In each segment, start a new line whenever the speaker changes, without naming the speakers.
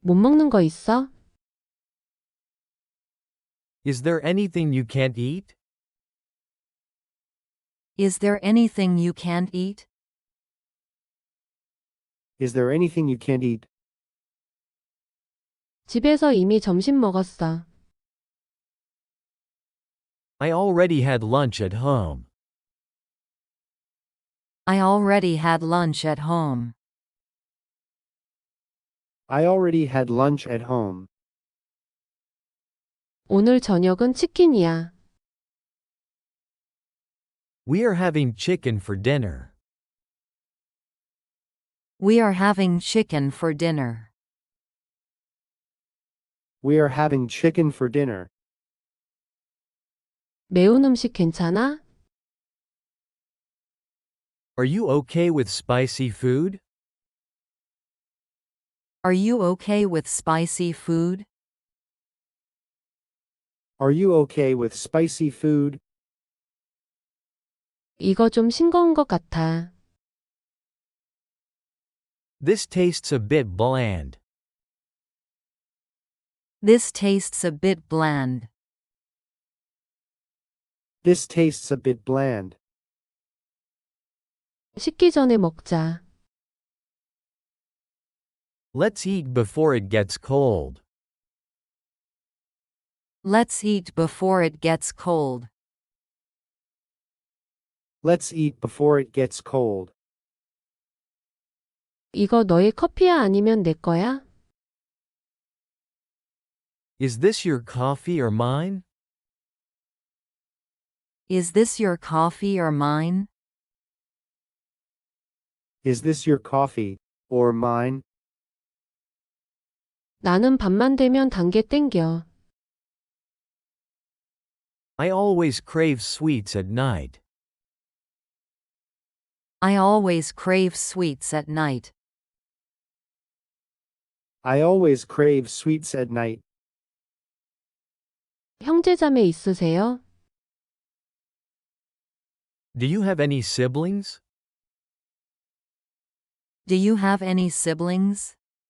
못 먹는 거 있어?
Is there anything you can't eat?
Is there anything you can't eat?
Is there anything you can't eat?
집에서 이미 점심 먹었어.
I already had lunch at home.
I already had lunch at home.
I already had lunch at home.
오늘 저녁은 치킨이야.
We are having chicken for dinner.
We are having chicken for dinner.
We are having chicken for dinner.
매운 음식 괜찮아?
Are you okay with spicy food?
Are you okay with spicy food?
Are you okay with spicy food?
이거 좀 싱거운 것 같아.
This tastes a bit bland.
This tastes a bit bland.
This tastes a bit bland.
식기 전에 먹자.
Let's eat before it gets cold.
Let's eat before it gets cold.
Let's eat before it gets cold.
이거 너의 커피야 아니면 내 거야?
Is this your coffee or mine?
Is this your coffee or mine?
Is this your coffee or mine?
나는 밤만 되면 단 게 땡겨.
I always crave sweets at night.
I always crave sweets at night.
I always crave sweets at night.
형제자매 있으세요?
Do you have any siblings?
Do you have any siblings?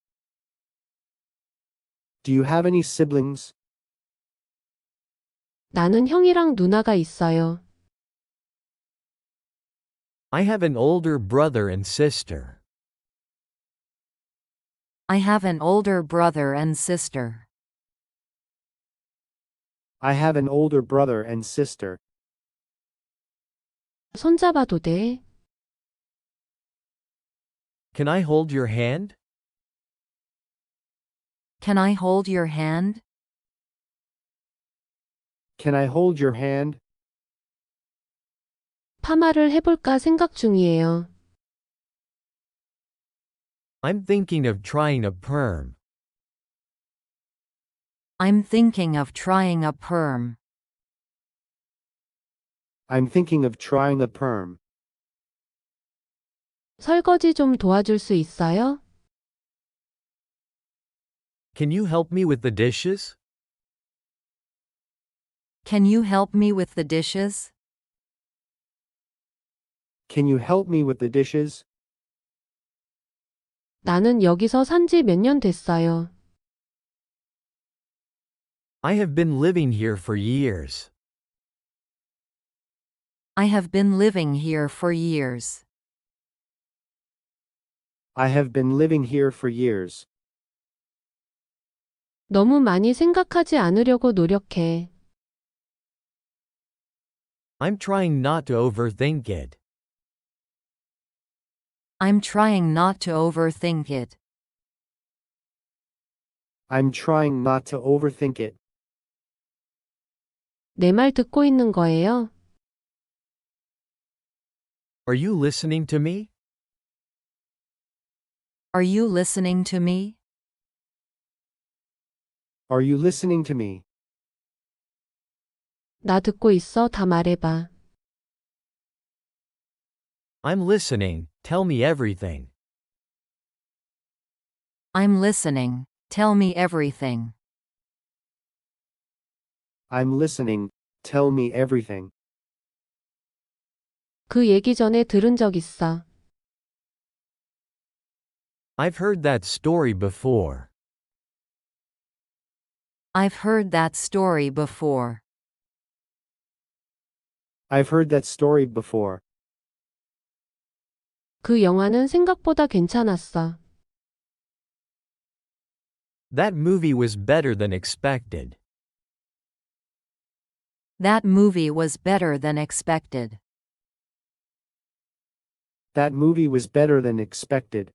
Do you have any siblings?
나는 형이랑 누나가 있어요.
I have an older brother and sister.
I have an older brother and sister.
I have an older brother and sister.
손잡아도 돼?
Can I hold your hand?
Can I hold your hand?
Can I hold your hand?
파마를 해볼까 생각 중이에요.
I'm thinking of trying a perm.
I'm thinking of trying a perm.
I'm thinking of trying a perm.
설거지 좀 도와줄 수 있어요?
Can you help me with the dishes?
Can you help me with the dishes?
Can you help me with the dishes?
나는 여기서 산지 몇 년 됐어요.
I have been living here for years.
I have been living here for years.
I have been living here for years.
너무 많이 생각하지 않으려고 노력해.
I'm trying not to overthink it.
I'm trying not to overthink it.
I'm trying not to overthink it.
내 말 듣고 있는 거예요?
Are you listening to me?
Are you listening to me?
Are you listening to me?
나 듣고 있어. 다 말해봐.
I'm listening, tell me everything.
I'm listening. Tell me everything.
I'm listening. Tell me everything.
그 얘기 전에 들은 적 있어.
I've heard that story before.
I've heard that story before.
I've heard that story before.
그 영화는 생각보다 괜찮았어.
That movie was better than expected.
That movie was better than expected.
That movie was better than expected.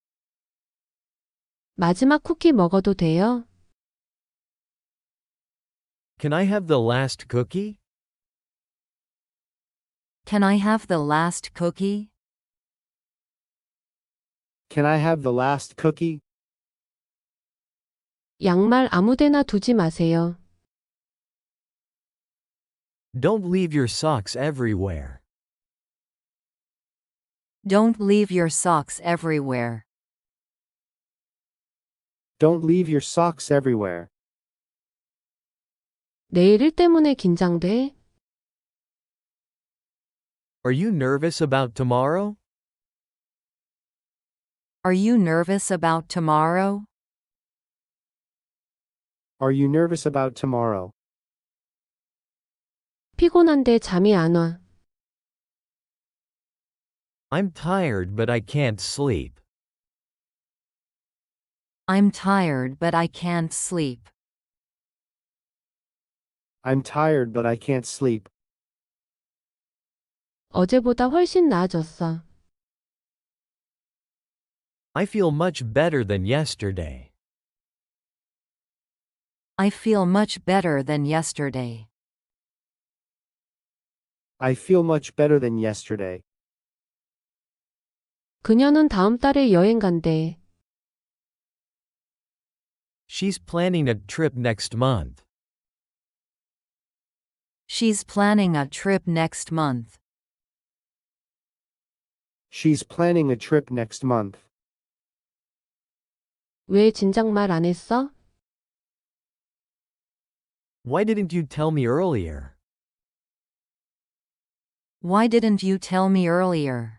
마지막 쿠키 먹어도 돼요?
Can I have the last cookie?
Can I have the last cookie?
Can I have the last cookie?
양말 아무데나 두지 마세요.
Don't leave your socks everywhere.
Don't leave your socks everywhere.
Don't leave your socks everywhere.
내일 일 때문에 긴장돼?
Are you nervous about tomorrow?
Are you nervous about tomorrow?
Are you nervous about tomorrow?
피곤한데 잠이 안 와.
I'm tired but I can't sleep.
I'm tired but I can't sleep.
I'm tired but I can't sleep.
어제보다 훨씬 나아졌어.
I feel much better than yesterday.
I feel much better than yesterday.
I feel much better than yesterday.
그녀는 다음 달에 여행 간대.
She's planning a trip next month.
She's planning a trip next month.
She's planning a trip next month.
왜 진작 말 안 했어?
Why didn't you tell me earlier?
Why didn't you tell me earlier?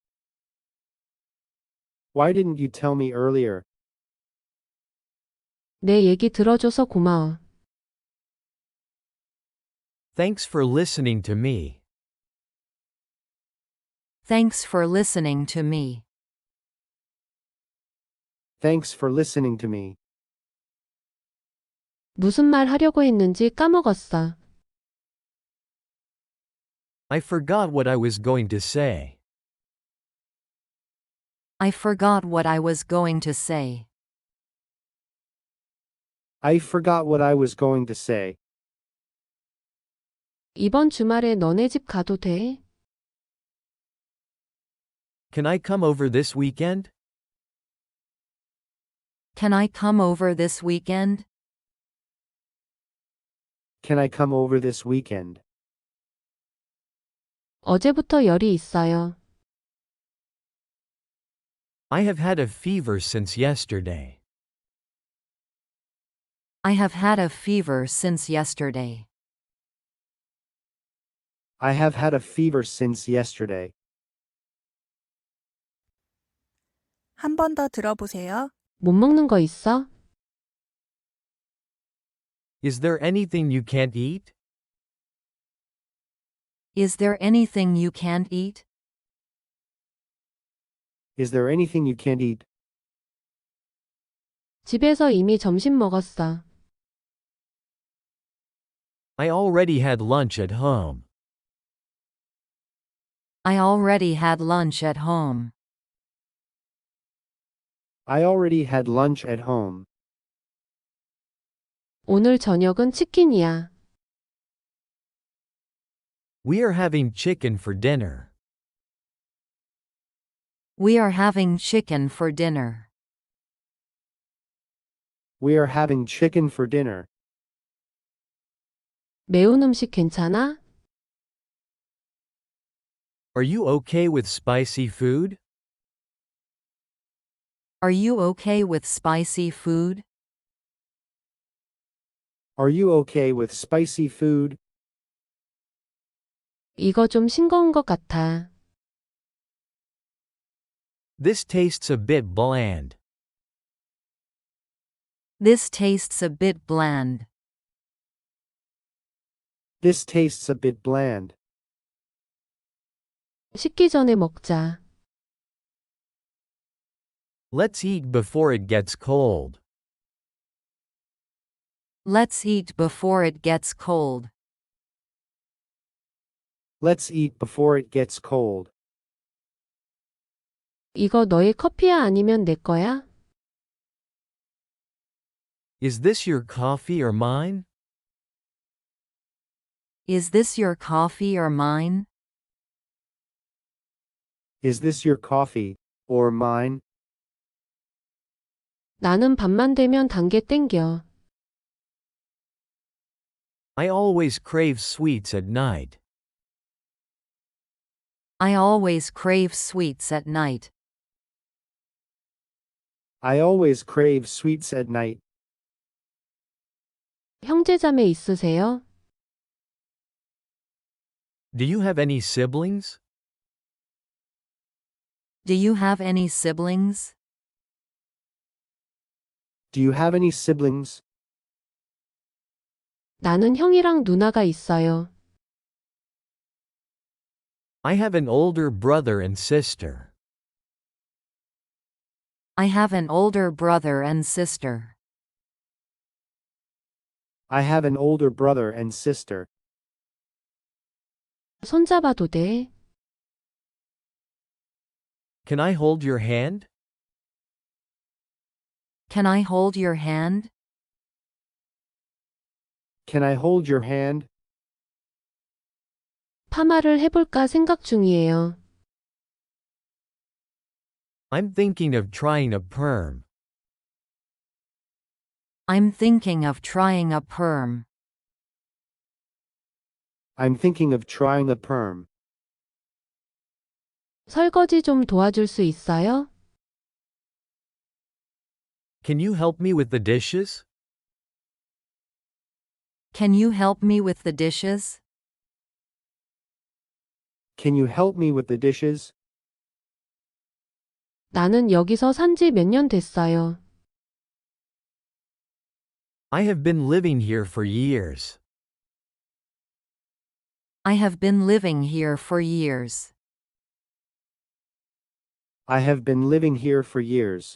Why didn't you tell me earlier?
내 얘기 들어줘서 고마워.
Thanks for listening to me.
Thanks for listening to me.
Thanks for listening to me.
무슨 말 하려고 했는지 까먹었어.
I forgot what I was going to say.
I forgot what I was going to say.
I forgot what I was going to say.
이번 주말에 너네 집 가도 돼?
Can I come over this weekend?
Can I come over this weekend?
Can I come over this weekend?
어제부터 열이 있어요.
I have had a fever since yesterday.
I have had a fever since yesterday.
I have had a fever since yesterday.
한 번 더 들어보세요.
못 먹는 거 있어?
Is there anything you can't eat?
Is there anything you can't eat?
Is there anything you can't eat?
집에서 이미 점심 먹었어.
I already had lunch at home.
I already had lunch at home.
I already had lunch at home.
오늘 저녁은 치킨이야.
We are having chicken for dinner.
We are having chicken for dinner.
We are having chicken for dinner.
매운 음식 괜찮아?
Are you okay with spicy food?
Are you okay with spicy food?
Are you okay with spicy food?
이거 좀 싱거운 것 같아.
This tastes a bit bland.
This tastes a bit bland.
This tastes a bit bland.
식기 전에 먹자.
Let's eat before it gets cold.
Let's eat before it gets cold.
Let's eat before it gets cold.
이거 너의 커피야 아니면 내 거야?
Is this your coffee or mine?
Is this your coffee or mine?
Is this your coffee, or mine?
나는 밤만 되면 단 게 땡겨.
I always crave sweets at night.
I always crave sweets at night.
I always crave sweets at night.
형제자매 있으세요?
Do you have any siblings?
Do you have any siblings?
Do you have any siblings?
나는 형이랑 누나가 있어요.
I have an older brother and sister.
I have an older brother and sister.
I have an older brother and sister.
손잡아도 돼?
Can I hold your hand?
Can I hold your hand?
Can I hold your hand?
파마를 해볼까 생각 중이에요.
I'm thinking of trying a perm.
I'm thinking of trying a perm.
I'm thinking of trying a perm.
설거지 좀 도와줄 수 있어요?
Can you help me with the dishes?
Can you help me with the dishes?
Can you help me with the dishes?
나는 여기서 산지 몇 년 됐어요.
I have been living here for years.
I have been living here for years.
I have been living here for years.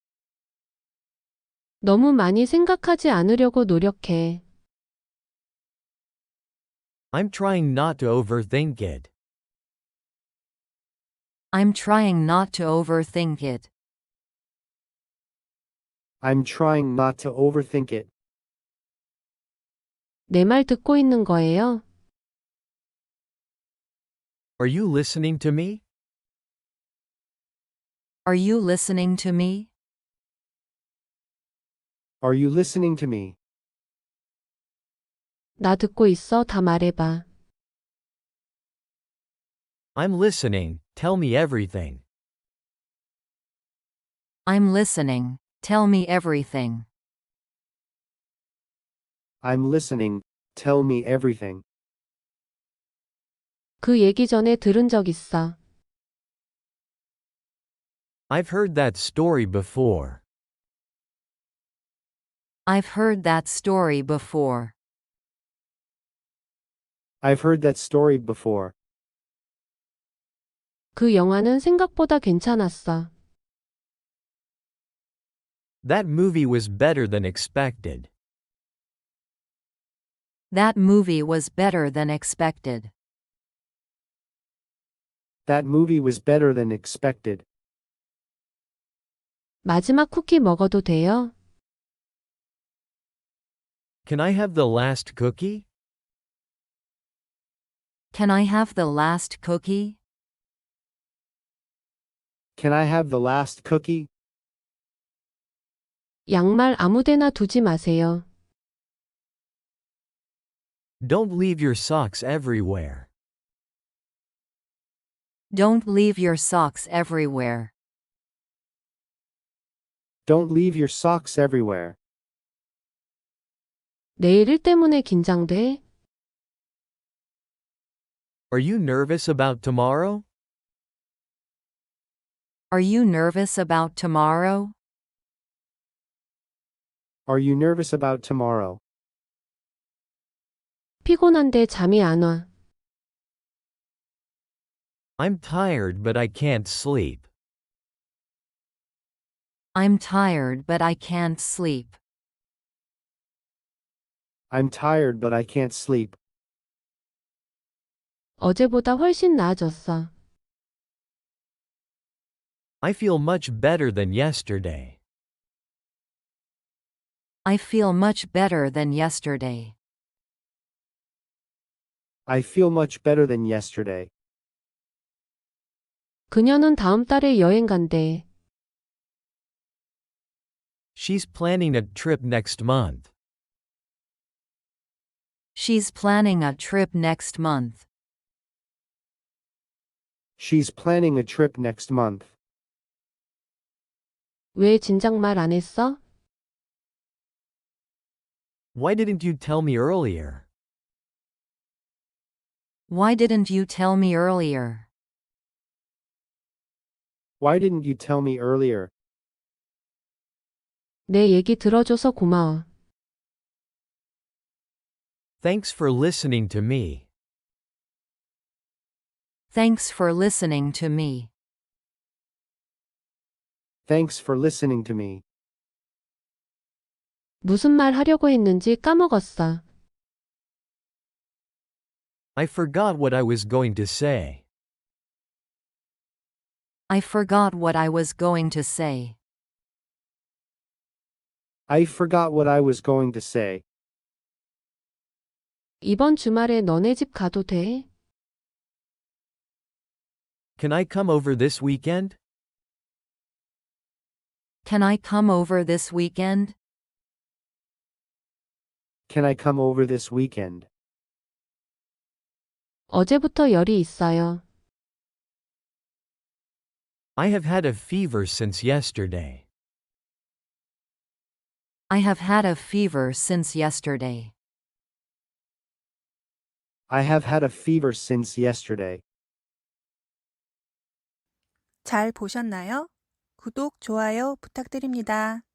너무 많이 생각하지 않으려고 노력해.
I'm trying not to overthink it.
I'm trying not to overthink it.
I'm trying not to overthink it.
내 말 듣고 있는 거예요?
Are you listening to me?
Are you listening to me?
Are you listening to me?
나 듣고 있어. 다 말해봐.
I'm listening, tell me everything.
I'm listening. Tell me everything.
I'm listening, tell me everything.
그 얘기 전에 들은 적 있어.
I've heard that story before.
I've heard that story before.
I've heard that story before.
그 영화는 생각보다 괜찮았어.
That movie was better than expected.
That movie was better than expected.
That movie was better than expected.
마지막 쿠키 먹어도 돼요?
Can I have the last cookie?
Can I have the last cookie?
Can I have the last cookie?
양말 아무데나 두지 마세요.
Don't leave your socks everywhere.
Don't leave your socks everywhere.
Don't leave your socks everywhere.
내일 일 때문에 긴장돼?
Are you nervous about tomorrow?
Are you nervous about tomorrow?
Are you nervous about tomorrow?
피곤한데 잠이 안 와.
I'm tired but I can't sleep.
I'm tired but I can't sleep.
I'm tired but I can't sleep.
어제보다 훨씬 나아졌어.
I feel much better than yesterday.
I feel much better than yesterday.
I feel much better than yesterday.
그녀는 다음 달에 여행 간대.
She's planning a trip next month.
She's planning a trip next month.
She's planning a trip next month.
왜 진작 말 안 했어?
Why didn't you tell me earlier?
Why didn't you tell me earlier?
Why didn't you tell me earlier?
내 얘기 들어줘서 고마워.
Thanks for listening to me.
Thanks for listening to me.
Thanks for listening to me.
무슨 말 하려고 했는지 까먹었어.
I forgot what I was going to say.
I forgot what I was going to say.
I forgot what I was going to say.
이번 주말에 너네 집 가도 돼?
Can I come over this weekend?
Can I come over this weekend?
Can I come over this weekend?
어제부터 열이 있어요.
I have had a fever since yesterday.
I have had a fever since yesterday.
I have had a fever since yesterday.
잘 보셨나요? 구독, 좋아요 부탁드립니다.